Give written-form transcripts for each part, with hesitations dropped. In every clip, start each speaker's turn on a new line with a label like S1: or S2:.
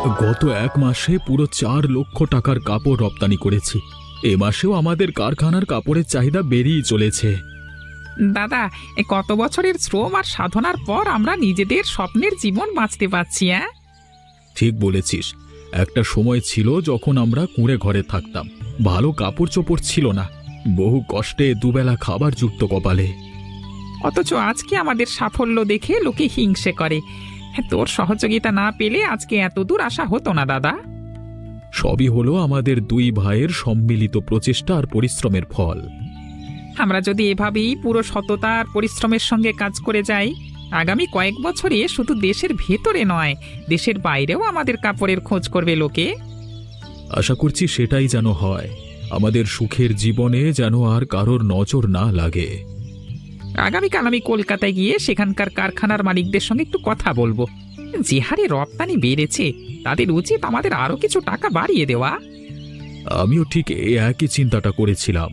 S1: গত এক মাসে পুরো 4 লক্ষ টাকার কাপড় রপ্তানি করেছি। এ মাসেও আমাদের কারখানার কাপড়ের চাহিদা বেড়েই চলেছে।
S2: দাদা, কত বছরের শ্রম আর সাধনার পর আমরা নিজেদের স্বপ্নের জীবন বাঁচতে পারছি। হ্যাঁ,
S1: ঠিক বলেছিস। একটা সময় ছিল যখন আমরা কুঁড়ে ঘরে থাকতাম, ভালো কাপড় চোপড় ছিল না, বহু কষ্টে দুবেলা খাবার যুক্ত কপালে।
S2: অথচ আজকে আমাদের সাফল্য দেখে লোকে হিংসে করে। তোর সহযোগিতা না পেলে আজকে এত দূর আসা হতো না দাদা।
S1: সবই হলো আমাদের 2 ভাইয়ের সম্মিলিত প্রচেষ্টা আর পরিশ্রমের ফল।
S2: আমরা যদি এভাবেই পুরো সততা আর পরিশ্রমের সঙ্গে কাজ করে যাই, আগামী কয়েক বছরে শুধু দেশের ভেতরে নয়, দেশের বাইরেও আমাদের কাপড়ের খোঁজ করবে লোকে।
S1: আশা করছি সেটাই যেন হয়। আমাদের সুখের জীবনে যেন আর কারোর নজর না লাগে।
S2: আগামীকাল আমি কলকাতায় গিয়ে সেখানকার কারখানার মালিকদের সঙ্গে একটু কথা বলবো। যে হারে রপ্তানি বেড়েছে, তাদের উচিত আমাদের আরো কিছু টাকা বাড়িয়ে দেওয়া।
S1: আমিও ঠিক এই একই চিন্তাটা করেছিলাম।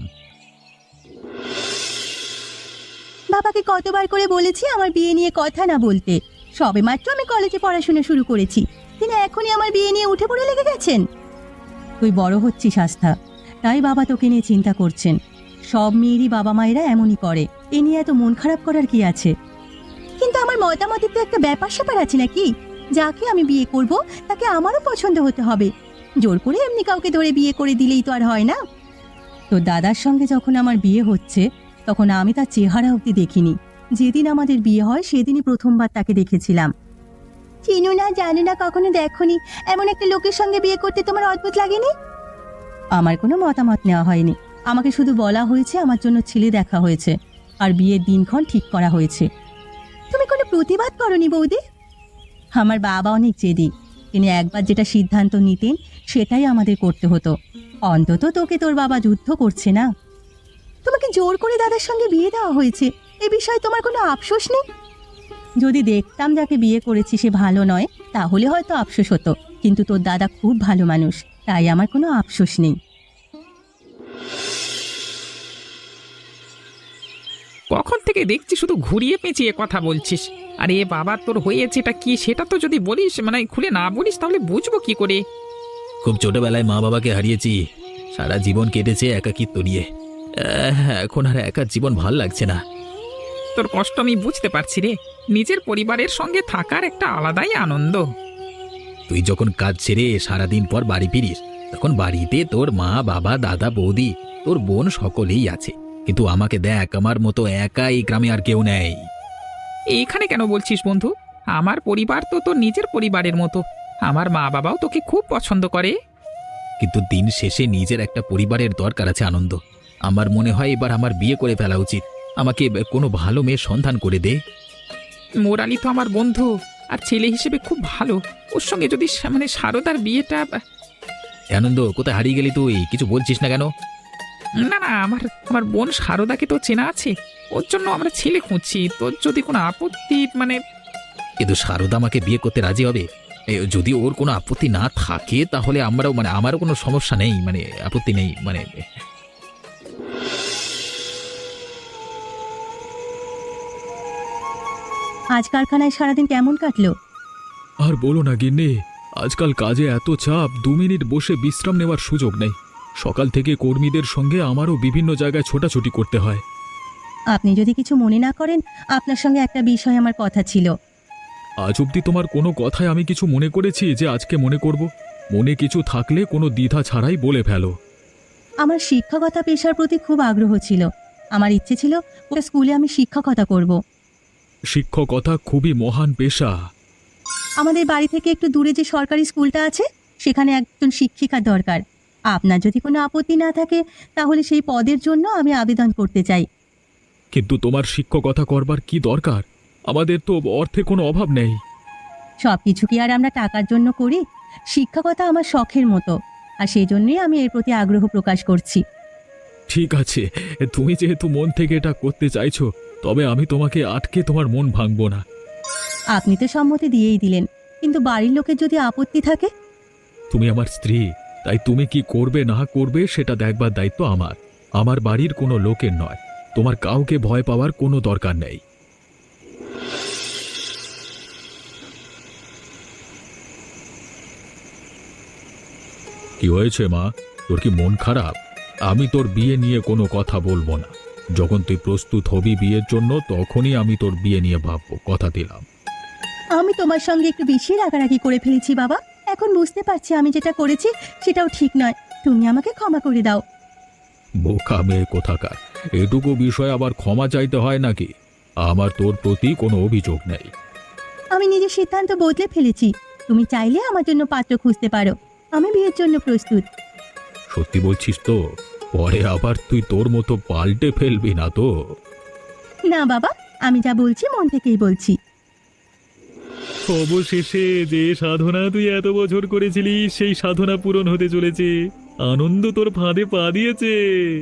S3: বাবাকে কতবার করে বলেছি আমার বিয়ে নিয়ে কথা না বলতে। সবেমাত্র আমি কলেজে পড়াশোনা শুরু করেছি, তিনি এখনই আমার বিয়ে নিয়ে উঠে পড়ে লেগে গেছেন। তুই বড় হচ্ছিস আস্থা, তাই বাবা তোকে নিয়ে চিন্তা করছেন। সব মেয়েরই বাবা মায়েরা এমনই করে, এ নিয়ে এত মন খারাপ করার কি আছে? কিন্তু আমার মতামতের তো একটা ব্যাপার স্যাপার আছে নাকি? যাকে আমি বিয়ে করব তাকে আমারও পছন্দ হতে হবে। জোর করে এমনি কাউকে ধরে বিয়ে করে দিলেই তো আর হয় না। তো দাদার সঙ্গে যখন আমার বিয়ে হচ্ছে, তখন আমি তার চেহারা অবধি দেখিনি। যেদিন আমাদের বিয়ে হয় সেদিনই প্রথমবার তাকে দেখেছিলাম। চিনো না, জানো না, কখনো দেখোনি এমন একটা লোকের সঙ্গে বিয়ে করতে তোমার অদ্ভুত লাগেনি? আমার কোনো মতামত নেওয়া হয়নি, আমাকে শুধু বলা হয়েছে আমার জন্য ছেলে দেখা হয়েছে আর বিয়ের দিনক্ষণ ঠিক করা হয়েছে। তুমি কোনো প্রতিবাদ করনি বৌদি? আমার বাবা অনেক জেদি, তিনি একবার যেটা সিদ্ধান্ত নিতেন সেটাই আমাদের করতে হতো। অন্তত তোকে তোর বাবা যুদ্ধ করছে না। তোমাকে জোর করে দাদার সঙ্গে বিয়ে দেওয়া হয়েছে, এ বিষয়ে তোমার কোনো আফসোস নেই? যদি দেখতাম যাকে বিয়ে করেছি সে ভালো নয়, তাহলে হয়তো আফসোস হতো, কিন্তু তোর দাদা খুব ভালো মানুষ, তাই আমার কোনো আফসোস নেই।
S2: কখন থেকে দেখছি শুধু ঘুরিয়ে পেঁচিয়ে কথা বলছিস। আরে বাবা, তোর হয়েছেটা কি সেটা তো যদি বলিস, মানে খুলে না বলিস, তাহলে বুঝবো কি করে?
S1: খুব ছোটবেলায় মা বাবাকে হারিয়েছি, সারা জীবন কেটেছে একাকিত্ব নিয়ে। এখন আর একা জীবন ভাল লাগছে না।
S2: তোর কষ্ট আমি বুঝতে পারছি রে। নিজের পরিবারের সঙ্গে থাকার একটা আলাদাই আনন্দ।
S1: তুই যখন কাজ ছেড়ে সারাদিন পর বাড়ি ফিরিস, তখন বাড়িতে তোর মা বাবা দাদা বৌদি তোর বোন সকলেই আছে, কিন্তু আমাকে দেখ, আমার মতো একা এই গ্রামে আর কেউ নেই।
S2: এইখানে কেন বলছিস বন্ধু? আমার পরিবার তো তোর নিজের পরিবারের মতো। আমার মা বাবাও তোকে খুব পছন্দ করে।
S1: কিন্তু দিন শেষে নিজের একটা পরিবারের দরকার আছে আনন্দ। আমার মনে হয় এবার আমার বিয়ে করে ফেলা উচিত। আমাকে কোনো ভালো মেয়ের সন্ধান করে দে।
S2: মোরালি তো আমার বন্ধু আর ছেলে হিসেবে খুব ভালো। ওর সঙ্গে যদি মানে সারদার বিয়েটা।
S1: আনন্দ, কোথায় হারিয়ে গেলি তুই? কিছু বলছিস না কেন?
S2: না না, আমার আমার বোন সারদাকে তো চেনা আছে, ওর জন্য আমরা ছেলে খুঁজছি। তোর যদি কোনো আপত্তি মানে।
S1: কিন্তু সারদা আমাকে বিয়ে করতে রাজি হবে? যদি ওর কোনো আপত্তি না থাকে তাহলে আমরাও, মানে আমারও কোনো সমস্যা নেই, মানে আপত্তি নেই, মানে।
S3: আজ কারখানায় সারাদিন কেমন কাটলো?
S1: আর বলো না গিন্নি, আজকাল কাজে এত চাপ, 2 মিনিট বসে বিশ্রাম নেওয়ার সুযোগ নেই। সকাল থেকে কর্মীদের সঙ্গে আমারও বিভিন্ন জায়গায় ছোটাছুটি করতে হয়।
S3: আপনি যদি কিছু মনে না করেন, আপনার সঙ্গে একটা বিষয় আমার কথা ছিল।
S1: আজ অবধি তোমার কোনো কথায় আমি কিছু মনে করেছি যে আজকে মনে করব? মনে কিছু থাকলে কোনো দ্বিধা ছাড়াই বলে ফেলো।
S3: আমার শিক্ষকতা পেশার প্রতি খুব আগ্রহ ছিল। আমার ইচ্ছে ছিল ওটা স্কুলে আমি শিক্ষকতা করব।
S1: শিক্ষকতা খুবই মহান পেশা।
S3: আমাদের বাড়ি থেকে একটু দূরে যে সরকারি স্কুলটা আছে, সেখানে একজন শিক্ষিকার দরকার। আপনার যদি কোনো আপত্তি না থাকে তাহলে সেই পদের জন্য আমি আবেদন করতে চাই।
S1: কিন্তু তোমার শিক্ষকতা করবার কি দরকার? আমাদের তো অর্থে কোনো অভাব নেই।
S3: সব কিছু কি আর আমরা টাকার জন্য করি? শিক্ষকতা আমার শখের মতো, আর সেই জন্যই আমি এর প্রতি আগ্রহ প্রকাশ করছি।
S1: ঠিক আছে, তুমি যেহেতু মন থেকে এটা করতে চাইছো, তবে আমি তোমাকে আটকে তোমার মন ভাঙবো না।
S3: আপনি তো সম্মতি দিয়েই দিলেন, কিন্তু বাড়ির লোকের যদি আপত্তি থাকে?
S1: তুমি আমার স্ত্রী, তাই তুমি কি করবে না করবে সেটা দেখবার দায়িত্ব আমার। আমার বাড়ির কোনো লোকের নয়। তোমার কাউকে ভয় পাওয়ার কোনো দরকার নেই। কি হয়েছে মা? তোর কি মন খারাপ? আমি তোর বিয়ে নিয়ে কোনো কথা বলবো না। যখন তুই প্রস্তুত হবি বিয়ের জন্য তখনই আমি তোর বিয়ে নিয়ে ভাববো, কথা দিলাম।
S3: আমি তোমার সঙ্গে একটু বেশি রাগারাগি করে ফেলেছি বাবা। এখন বুঝতে পারছি আমি যেটা করেছি সেটাও ঠিক নয়। তুমি আমাকে ক্ষমা করে দাও।
S1: বোকা মেয়ে কোথাকার, এটুকু বিষয় আবার ক্ষমা চাইতে হয় নাকি? আমার তোর প্রতি কোনো অভিযোগ নেই।
S3: আমি নিজের সিদ্ধান্ত বদলে ফেলেছি। তুমি চাইলে আমার জন্য পাত্র খুঁজতে পারো। আমি বিয়ের জন্য প্রস্তুত।
S1: সত্যি বলছিস তো? পরে আবার তুই তোর মতো পাল্টে ফেলবি না তো?
S3: না বাবা, আমি যা বলছি মন থেকেই বলছি।
S4: অবশেষে যে সাধনা তুই এত বছর করেছিলিস সেই সাধনা পূরণ হতে চলেছে। আনন্দ তোর ফাঁদে পা দিয়েছে।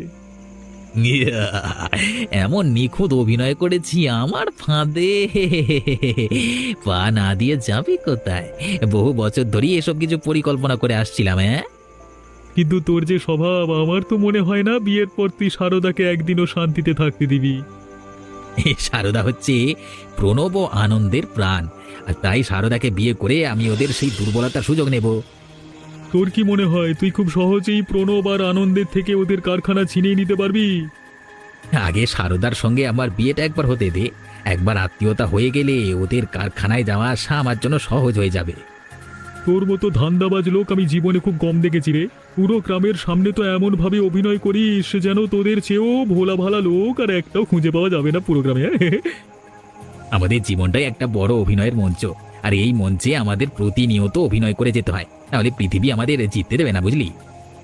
S1: এমন নিখুঁত অভিনয় করেছি আমার ফাঁদে পা না দিয়ে যাবি কোথায়? বহু বছর ধরেই এসব কিছু পরিকল্পনা করে আসছিলাম। হ্যাঁ,
S4: কিন্তু তোর যে স্বভাব, আমার তো মনে হয় না বিয়ের পর তুই সারদাকে একদিনও শান্তিতে থাকতে দিবি।
S1: সারদা হচ্ছে প্রণব ও আনন্দের প্রাণ, আর তাই সারদাকে বিয়ে করে আমি ওদের সেই দুর্বলতার সুযোগ নেব।
S4: তোর কি মনে হয় তুই খুব সহজেই প্রণব আর আনন্দের থেকে ওদের কারখানা ছিনিয়ে নিতে পারবি?
S1: আগে সারদার সঙ্গে আমার বিয়েটা একবার হতে দে। একবার আত্মীয়তা হয়ে গেলে ওদের কারখানায় যাওয়া আসা আমার জন্য সহজ হয়ে যাবে।
S4: তোর মতো ধান্দাবাজ লোক আমি জীবনে খুব কম দেখেছি রে। পুরো গ্রামের সামনে তো এমন ভাবে অভিনয় করিস যেন তোদের চেয়েও ভোলা ভালা লোক আর একটাও খুঁজে পাওয়া যাবে না পুরো গ্রামে।
S1: আমাদের জীবনটাই একটা বড় অভিনয়ের মঞ্চ, আর এই মঞ্চে আমাদের প্রতিনিয়ত অভিনয় করে যেতে হয়, তাহলে পৃথিবী আমাদের জিততে দেবে না, বুঝলি?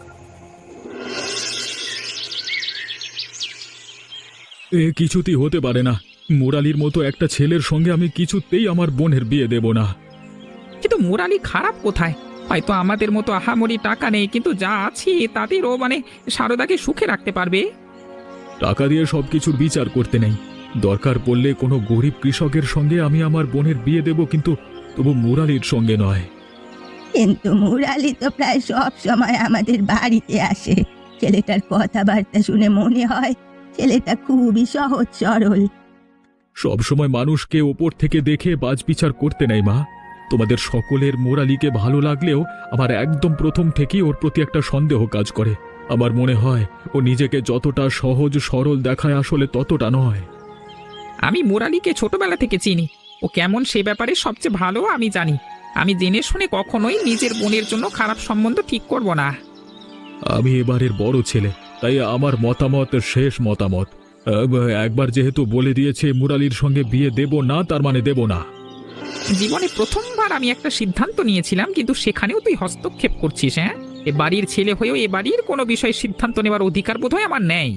S4: এ কিছুতেই হতে পারে না। মুরালির মতো একটা ছেলের সঙ্গে আমি কিছুতেই আমার বোনের বিয়ে দেব না।
S2: কিন্তু মোরালি খারাপ কোথায়? হয়তো আমাদের মতো আহামরি টাকা নেই, কিন্তু যা আছে তাদেরও সারদাকে সুখে রাখতে পারবে।
S4: টাকা দিয়ে সবকিছুর বিচার করতে নেই। দরকার পড়লে কোনো গরিব কৃষকের সঙ্গে আমি আমার বোনের বিয়ে দেব, কিন্তু তবু মুরালির সঙ্গে নয়।
S3: কিন্তু মুরালি তো প্রায় সব সময় আমাদের বাড়িতে আসে। ছেলেটার কথাবার্তা শুনে মনে হয় ছেলেটা খুবই সহজ সরল।
S4: সবসময় মানুষকে ওপর থেকে দেখে বাজবিচার করতে নেই মা। তোমাদের সকলের মুরালিকে ভালো লাগলেও আমার একদম প্রথম থেকেই ওর প্রতি একটা সন্দেহ কাজ করে। আমার মনে হয় ও নিজেকে যতটা সহজ সরল দেখায় আসলে ততটা নয়।
S2: আমি মোরালিকে ছোটবেলা থেকে চিনি। ও কেমন সে ব্যাপারে সবচেয়ে ভালো আমি জানি। আমি জেনে শুনে কখনোই নিজের বোনের জন্য খারাপ সম্বন্ধ ঠিক করব না।
S4: আমি এবারের বড় ছেলে, তাই আমার মতামত শেষ মতামত। একবার যেহেতু বলে দিয়েছে মুরালির সঙ্গে বিয়ে দেব না, তার মানে দেব না।
S2: জীবনে প্রথমবার আমি একটা সিদ্ধান্ত নিয়েছিলাম, কিন্তু সেখানেও তুই হস্তক্ষেপ করছিস। হ্যাঁ, এ বাড়ির ছেলে হয়েও এ বাড়ির কোনো বিষয়ে সিদ্ধান্ত নেওয়ার অধিকার বোধহয় আমার নেই।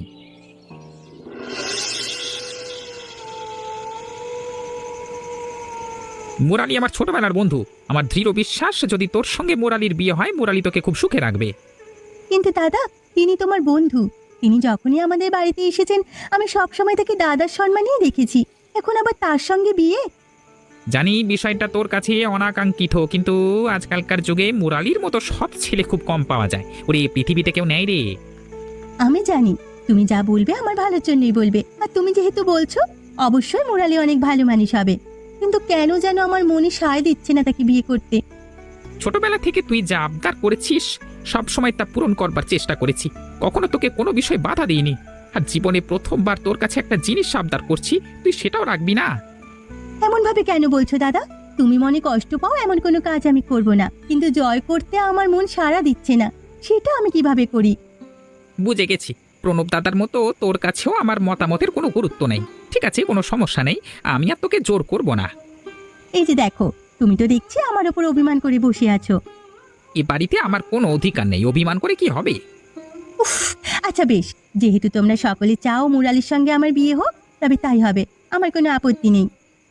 S2: মুরালি আমার ছোটবেলার বন্ধু। আমার দৃঢ় বিশ্বাস যদি তোর সঙ্গে মুরালির বিয়ে হয়, মুরালি তোকে খুব সুখে রাখবে।
S3: কিন্তু দাদা, তিনি তোমার বন্ধু। তিনি যখনই আমাদের বাড়িতে এসেছেন আমি সবসময় তাকে দাদার সম্মানেই দেখেছি। এখন আবার তার সঙ্গে বিয়ে?
S2: জানি বিষয়টা তোর কাছে অনাকাঙ্ক্ষিত, কিন্তু আজকালকার যুগে মুরালির মতো সৎ ছেলে খুব কম পাওয়া যায়। ওরে পৃথিবীতে কেউ নেই রে।
S3: আমি জানি তুমি যা বলবে আমার ভালোর জন্যই বলবে, আর তুমি যেহেতু বলছো অবশ্যই মুরালি অনেক ভালো মানুষ হবে। কিন্তু কেন যেন আমার মনে সায় দিচ্ছে না তাকে বিয়ে করতে।
S2: ছোটবেলা থেকে তুই যা আবদার করেছিস সব সময় তা পূরণ করবার চেষ্টা করেছি, কখনো তোকে কোনো বিষয় বাধা দিইনি। আর জীবনে প্রথমবার তোর কাছে একটা জিনিস আবদার করছি, তুই সেটাও রাখবি না?
S3: এমন ভাবে কেন বলছো দাদা? তুমি মনে কষ্ট পাও এমন কোনো কাজ আমি করব না, কিন্তু জয় করতে আমার মন সাড়া দিচ্ছে না, সেটা আমি কিভাবে করি?
S2: বুঝে গেছি, প্রণব দাদার মতো তোর কাছেও আমার মতামতের কোনো গুরুত্ব নেই। ঠিক আছে, কোনো সমস্যা নেই, আমি আর তোকে জোর করব না।
S3: এই যে দেখো, তুমি তো দেখছি আমার ওপর অভিমান করে বসে আছো।
S2: এ বাড়িতে আমার কোনো অধিকার নেই, অভিমান করে কি হবে?
S3: উফ, আচ্ছা বেশ, যেহেতু তোমরা সকলে চাও মুরালির সঙ্গে আমার বিয়ে হোক, তবে তাই হবে, আমার কোনো আপত্তি নেই।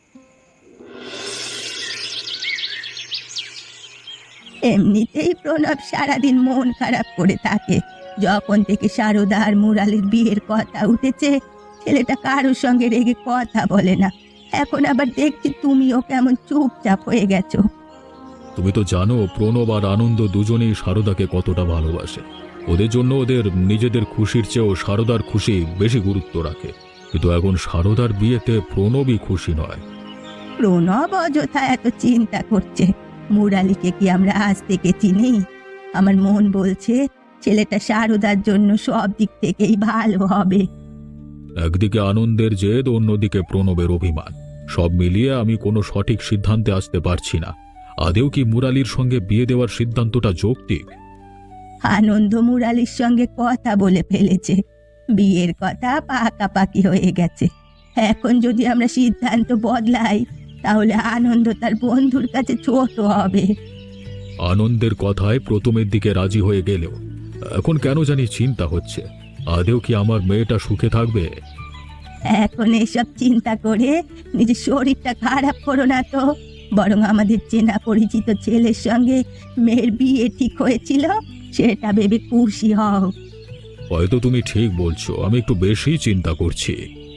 S3: এমনিতেই প্রণব সারাদিন মন খারাপ করে থাকে। যখন থেকে সারদা আর মুরালির বিয়ের কথা উঠেছে, ছেলেটা কারোর সঙ্গে রেগে কথা বলে না। এখন আবার দেখছি তুমিও কেমন চুপচাপ হয়ে গেছো।
S4: তুমি তো জানো প্রণব আর আনন্দ দুজনেই সারদাকে কতটা ভালোবাসে। ওদের জন্য ওদের নিজেদের খুশির চেয়েও সারদার খুশি বেশি গুরুত্ব রাখে। কিন্তু এখন সারদার বিয়েতে প্রণবই খুশি নয়।
S3: প্রণব অযথা এত চিন্তা করছে। মুরালিকে কি আমরা আজ থেকে চিনি? আমার মন বলছে ছেলেটা সারদার জন্য সব দিক থেকেই ভালো হবে।
S4: একদিকে আনন্দের জেদ, অন্যদিকে প্রণবের অভিমান, সব মিলিয়ে আমি কোনো সঠিক সিদ্ধান্তে আসতে পারছি না। আদেও কি মুরালির সঙ্গে বিয়ে দেওয়ার সিদ্ধান্তটা যৌক্তিক?
S3: আনন্দ মুরালির সঙ্গে কথা বলে ফেলেছে, বিয়ের কথা পাকাপাকি হয়ে গেছে। এখন যদি আমরা সিদ্ধান্ত বদলাই তাহলে আনন্দ তার বন্ধুর কাছে ছোট হবে।
S4: আনন্দের কথায় প্রথমের দিকে রাজি হয়ে গেলেও এখন কেন জানি চিন্তা হচ্ছে, আদেও কি আমার মেয়েটা সুখে থাকবে?
S3: এখন এসব চিন্তা করে নিজের শরীরটা খারাপ করো না তো, বরং আমাদের চেনা পরিচিত ছেলের সঙ্গে মেয়ের বিয়ে ঠিক হয়েছিল সেটা ভেবে খুশি হও।
S4: হয়তো তুমি ঠিক বলছো, আমি একটু বেশি চিন্তা করছি।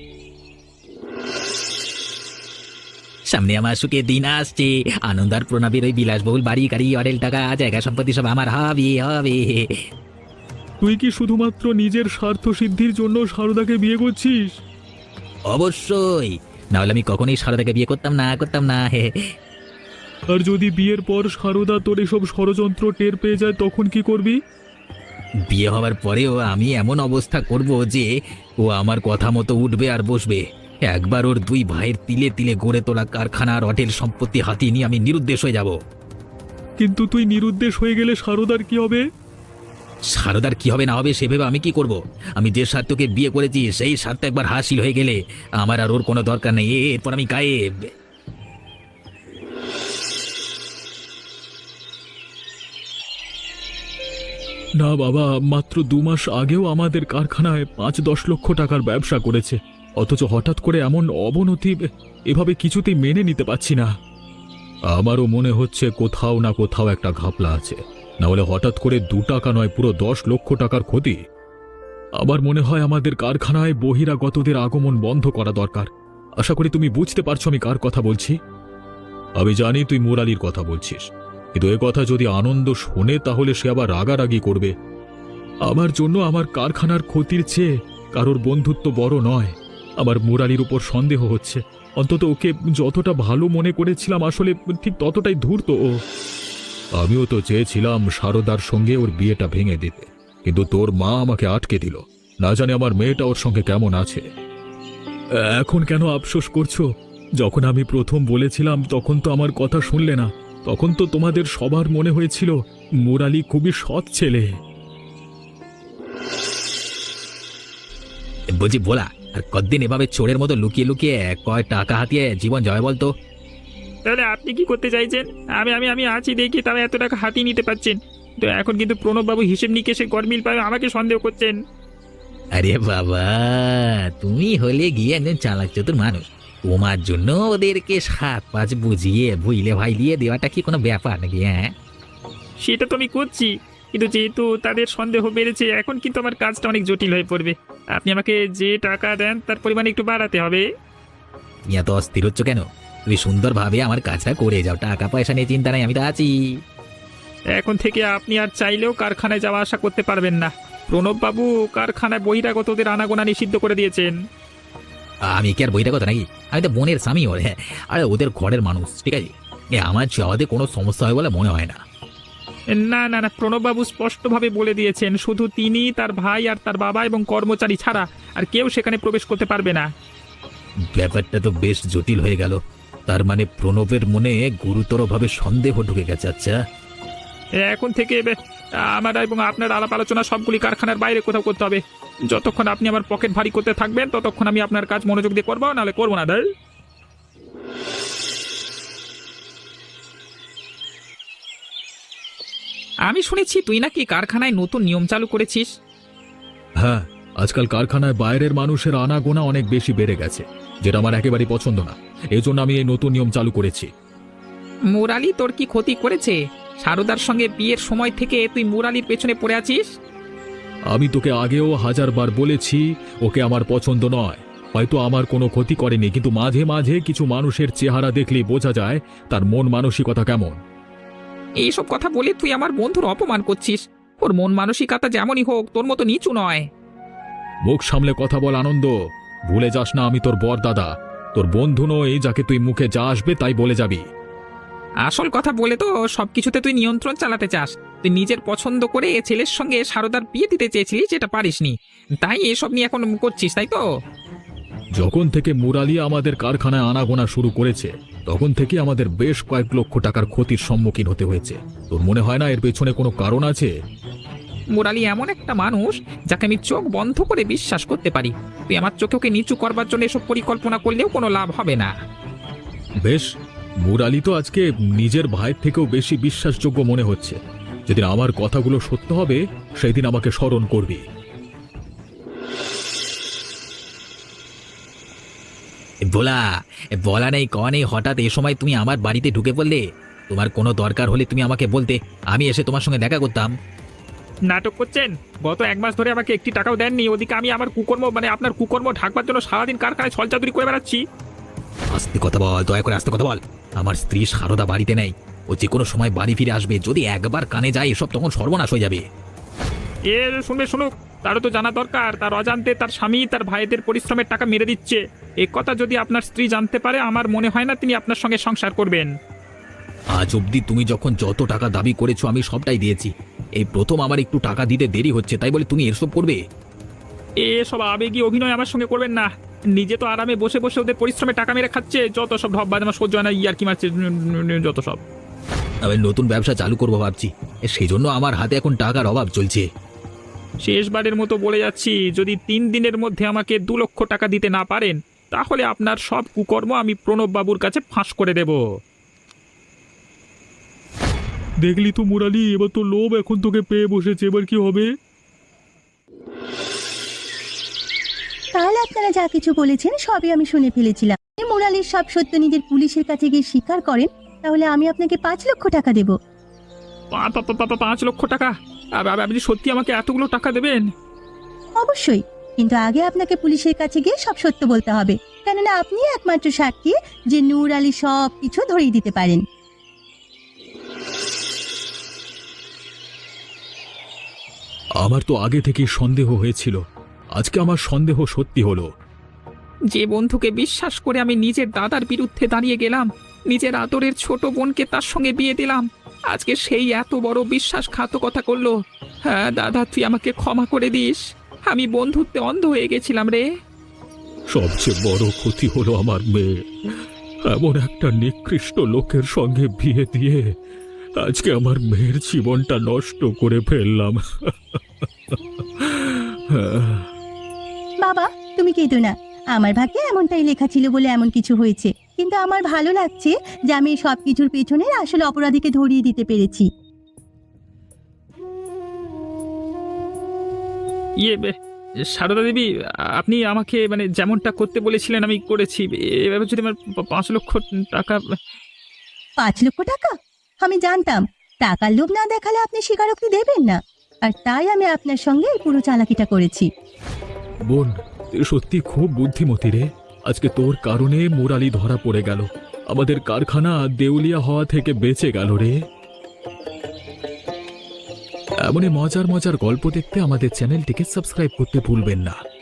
S1: সামনে আমার সুখের দিন আসছে। আনন্দ আর প্রণবের ওই বিলাসবহুল বাড়ি গাড়ি অরেল টাকা জায়গা সম্পত্তি সব আমার হবে হবে।
S4: তুই কি শুধুমাত্র নিজের স্বার্থ সিদ্ধির জন্য সারদাকে বিয়ে করছিস?
S1: অবশ্যই, নাহলে আমি কখনোই সারদাকে বিয়ে করতাম না।
S4: আর যদি বিয়ের পর সারদা তোর এসব ষড়যন্ত্র টের পেয়ে যায় তখন কি করবি?
S1: বিয়ে হওয়ার পরেও আমি এমন অবস্থা করব যে ও আমার কথা মতো উঠবে আর বসবে। একবার ওর দুই ভাইয়ের তিলে তিলে গড়ে তোলা কারখানা আর হোটেল সম্পত্তি হাতিয়ে নিয়ে আমি নিরুদ্দেশ হয়ে যাব।
S4: কিন্তু তুই নিরুদ্দেশ হয়ে গেলে সারদার কি হবে?
S1: সারদার কি হবে না হবে সে ভেবে আমি কি করব? আমি যে স্বার্থকে বিয়ে করেছি সেই স্বার্থ একবার হাসিল হয়ে গেলে আমার আর ওর কোনো দরকার নেই। এরপর আমি গায়েব।
S4: না বাবা, মাত্র 2 মাস আগেও আমাদের কারখানায় 5-10 লক্ষ টাকার ব্যবসা করেছে, অথচ হঠাৎ করে এমন অবনতি এভাবে কিছুতেই মেনে নিতে পারছি না। আমারও মনে হচ্ছে কোথাও না কোথাও একটা ঘাপলা আছে, না হলে হঠাৎ করে 2 টাকা নয় পুরো 10 লক্ষ টাকার ক্ষতি। আমার মনে হয় আমাদের কারখানায় বহিরাগতদের আগমন বন্ধ করা দরকার। আশা করি তুমি বুঝতে পারছো আমি কার কথা বলছি। আমি জানি তুই মুরালির কথা বলছিস, কিন্তু এ কথা যদি আনন্দ শোনে তাহলে সে আবার রাগারাগি করবে। আমার জন্য আমার কারখানার ক্ষতির চেয়ে কারোর বন্ধুত্ব বড় নয়। আমার মুরালির উপর সন্দেহ হচ্ছে, অন্তত ওকে যতটা ভালো মনে করেছিলাম আসলে ঠিক ততটাই ধূর্ত ও। আমিও তো চেয়েছিলাম সারদার সঙ্গে ওর বিয়েটা ভেঙে দিতে, কিন্তু তোর মা আমাকে আটকে দিল। না জানি আমার মেয়েটা ওর সঙ্গে কেমন আছে। এখন কেন আফসোস করছো? যখন আমি প্রথম বলেছিলাম তখন তো আমার কথা শুনলে না। তখন তো তোমাদের সবার মনে হয়েছিল মুরালি খুবই সৎ ছেলে।
S1: বলছি বলা, আর কতদিন এভাবে চোরের মতো লুকিয়ে লুকিয়ে কয় টাকা হাতিয়ে জীবন জয় বলতো?
S2: তাহলে আপনি কি করতে চাইছেন? আমি আমি আমি আছি দেখি তবে এত টাকা হাতিয়ে নিতে পারছেন, তো এখন কিন্তু প্রণববাবু হিসেব নিকেশে গরমিল পাবে আমাকে সন্দেহ করছেন।
S1: আরে বাবা, তুমি হলে গিয়ে একজন চালাক চতুর মানুষ। তোমার জন্য ওদেরকে 7-5 বুঝিয়ে ভুইলে ভাই দিয়ে দেওয়াটা কি কোনো ব্যাপার নাকি? হ্যাঁ,
S2: সেটা তো আমি করছি, কিন্তু যেহেতু তাদের সন্দেহ বেড়েছে এখন কিন্তু আমার কাজটা অনেক জটিল হয়ে পড়বে। আপনি আমাকে যে টাকা দেন তার পরিমাণ একটু বাড়াতে হবে।
S1: তুমি এত অস্থির হচ্ছ কেন? তুমি সুন্দরভাবে আমার কাজটা করে যাও, টাকা পয়সা নিয়ে চিন্তা নাই, আমি তো আছি।
S2: এখন থেকে আপনি আর চাইলেও কারখানায় যাওয়া আসা করতে পারবেন না। প্রণববাবু কারখানায় বহিরাগতদের আনাগোনা নিষিদ্ধ করে দিয়েছেন।
S1: আমি কি আর বইটা কথা নাকি? আমি তো বোনের স্বামী ওর। হ্যাঁ, আরে ওদের ঘরের মানুষ, ঠিক আছে? আমার চাওয়াতে কোনো সমস্যা হয় বলে মনে হয় না।
S2: না না না, প্রণববাবু স্পষ্টভাবে বলে দিয়েছেন শুধু তিনি, তার ভাই আর তার বাবা এবং কর্মচারী ছাড়া আর কেউ সেখানে প্রবেশ করতে পারবে না।
S1: ব্যাপারটা তো বেশ জটিল হয়ে গেল। তার মানে প্রণবের মনে গুরুতরভাবে সন্দেহ ঢুকে গেছে। আচ্ছা,
S2: এখন থেকে আমার এবং আপনার আলাপ আলোচনা সবগুলি কারখানার বাইরে কোথাও করতে হবে। যতক্ষণ আপনি আমার পকেট ভারী করতে থাকবেন ততক্ষণ আমি আপনার কাজ মনোযোগ দিয়ে করবো, নাহলে করবো না। দাঁড় আমি শুনেছি তুই নাকি কারখানায় নতুন নিয়ম চালু করেছিস।
S4: হ্যাঁ, আজকাল কারখানায় বাইরের মানুষের আনাগোনা অনেক বেশি বেড়ে গেছে, যেটা আমার একেবারেই পছন্দ না। এজন্য আমি এই নতুন নিয়ম চালু করেছি।
S2: মুরালি তোর কি ক্ষতি করেছে? সারদার সঙ্গে বিয়ের সময় থেকে তুই মুরালির পেছনে পড়ে আছিস।
S4: আমি তোকে আগেও 1000 বার বলেছি ওকে আমার পছন্দ নয়। হয়তো আমার কোনো ক্ষতি করেনি, কিন্তু মাঝে মাঝে কিছু মানুষের চেহারা দেখলেই বোঝা যায় তার মন মানসিকতা কেমন।
S2: এইসব কথা বলে তুই আমার বন্ধুর অপমান করছিস। ওর মন মানসিকতা যেমনই হোক তোর মতো নিচু নয়।
S4: মুখ সামলে কথা বল আনন্দ। ভুলে যাস না আমি তোর বর দাদা, তোর বন্ধু নই যাকে তুই মুখে যা আসবে তাই বলে যাবি।
S2: আসল কথা বলে তো সবকিছুতে তুই নিয়ন্ত্রণ চালাতে চাস। তুই নিজের পছন্দ করে এ ছেলের সঙ্গে সারদার বিয়ে দিতে চেয়েছিলি, যেটা পারিসনি, তাই এসব নিয়ে এখন করছিস, তাই তো?
S4: যখন থেকে মুরালি আমাদের কারখানায় আনাগোনা শুরু করেছে তখন থেকে আমাদের বেশ কয়েক লক্ষ টাকার ক্ষতির সম্মুখীন হতে হয়েছে। তোর মনে হয় না এর পেছনে কোনো কারণ আছে?
S2: মুরালি এমন একটা মানুষ যাকে আমি চোখ বন্ধ করে বিশ্বাস করতে পারি। তুই আমার চোখে ওকে নিচু করবার জন্য এসব পরিকল্পনা করলেও কোনো লাভ হবে না।
S4: বেশ, মুরালি তো আজকে নিজের ভাইয়ের থেকেও বেশি বিশ্বাসযোগ্য মনে হচ্ছে। যেদিন আমার কথাগুলো সত্য হবে সেই দিন আমাকে স্মরণ করবি।
S1: বলা নেই ক নেই, হঠাৎ এ সময় তুমি আমার বাড়িতে ঢুকে পড়লে। তোমার কোনো দরকার হলে তুমি আমাকে বলতে, আমি এসে তোমার সঙ্গে দেখা করতাম।
S2: নাটক করছেন? গত 1 মাস ধরে আমাকে একটি টাকাও দেননি, ওদিকে আমি আমার কুকর্ম আপনার কুকর্ম ঢাকবার জন্য সারাদিন কারখানায় ছলচাতুরি করে বেড়াচ্ছি।
S1: আস্তে কথা বল, দয়া করে আস্তে কথা বল। আমার স্ত্রী সারদা বাড়িতে নেই, ও যে কোনো সময় বাড়ি ফিরে আসবে। যদি একবার কানে যায় এসব তখন সর্বনাশ হয়ে যাবে।
S2: শুনুক, তারও তো জানা দরকার তার অজান্তে তার স্বামী তার ভাইদের পরিশ্রমের টাকা মেরে দিচ্ছে। এ কথা যদি আপনার স্ত্রী জানতে পারে, আমার মনে হয় না তিনি আপনার সঙ্গে সংসার করবেন।
S1: আজ অবধি তুমি যখন যত টাকা দাবি করেছো আমি সবটাই দিয়েছি। এই প্রথম আমার একটু টাকা দিতে দেরি হচ্ছে, তাই বলে তুমি এসব করবে?
S2: এসব আবেগী অভিনয় আমার সঙ্গে করবেন না। নিজে তো আরামে বসে বসে ওদের পরিশ্রমে টাকা মেরে খাচ্ছে, যত সব ঢপ বাজ আমার সহ্য হয় না। ইয়ার কি মারছে যত সব।
S1: আমি নতুন ব্যবসা চালু করবো ভাবছি, সেই জন্য আমার হাতে এখন টাকার অভাব চলছে।
S2: শেষবারের মতো বলে যাচ্ছি, যদি 3 দিনের মধ্যে আমাকে 2 লক্ষ টাকা দিতে না পারেন, তাহলে আপনার সব কুকর্ম আমি প্রণব বাবুর কাছে ফাঁস করে দেব।
S4: দেখলি তো মুরালি, এবার তো লোভ এখন তোকে পেয়ে বসেছে, এবার কি হবে?
S3: তাহলে আপনারা যা কিছু বলেছেন সবই আমি শুনে ফেলেছিলাম। মুরালির সব সত্য নিজের পুলিশের কাছে গিয়ে স্বীকার করেন, তাহলে আমি আপনাকে 5 লক্ষ টাকা দেব।
S2: 5 লক্ষ টাকা? আপনি সত্যি আমাকে এতগুলো টাকা দেবেন?
S3: অবশ্যই, কিন্তু আগে আপনাকে পুলিশের কাছে গিয়ে সব সত্য বলতে হবে, কেননা আপনি একমাত্র সাক্ষী যে নূর আলী সব কিছু ধরিয়ে দিতে পারেন।
S4: আমার তো আগে থেকেই সন্দেহ হয়েছিল, আজকে আমার সন্দেহ সত্যি হলো।
S2: যে বন্ধুকে বিশ্বাস করে আমি নিজের দাদার বিরুদ্ধে দাঁড়িয়ে গেলাম, নিজের আদরের ছোট বোনকে তার সঙ্গে বিয়ে দিলাম, আজকে সেই এত বড় বিশ্বাসঘাতকতা করলো। হ্যাঁ দাদা, তুই আমাকে ক্ষমা করে দিস। আমি বন্ধুত্বে অন্ধ হয়ে গেছিলাম রে।
S4: সবচেয়ে বড় ক্ষতি হলো আমার মেয়ে। এমন একটা নিকৃষ্ট লোকের সঙ্গে বিয়ে দিয়ে আজকে আমার মেয়ের জীবনটা নষ্ট করে ফেললাম।
S3: বাবা, তুমি কেঁদো না। আমার ভাগ্যে এমনটাই লেখা ছিল বলে এমন কিছু হয়েছে, কিন্তু আমার ভালো লাগছে যে আমি সব কিছুর পেছনের আসলে অপরাধীকে ধরিয়ে দিতে পেরেছি।
S2: সারদা দেবী, আপনি আমাকে যেমনটা করতে বলেছিলেন আমি করেছি। এভাবে যদি আমার 5 লক্ষ টাকা।
S3: 5 লক্ষ টাকা? আমি জানতাম টাকার লোভ না দেখালে আপনি স্বীকারোক্তি দেবেন না, আর তাই আমি আপনার সঙ্গে এই পুরো চালাকিটা করেছি।
S4: বোন, তুই সত্যি খুব বুদ্ধিমতী রে। আজকে তোর কারণে মুরালি ধরা পড়ে গেল, আমাদের কারখানা দেউলিয়া হওয়া থেকে বেঁচে গেল রে। এমনই মজার মজার গল্প দেখতে আমাদের চ্যানেলটিকে সাবস্ক্রাইব করতে ভুলবেন না।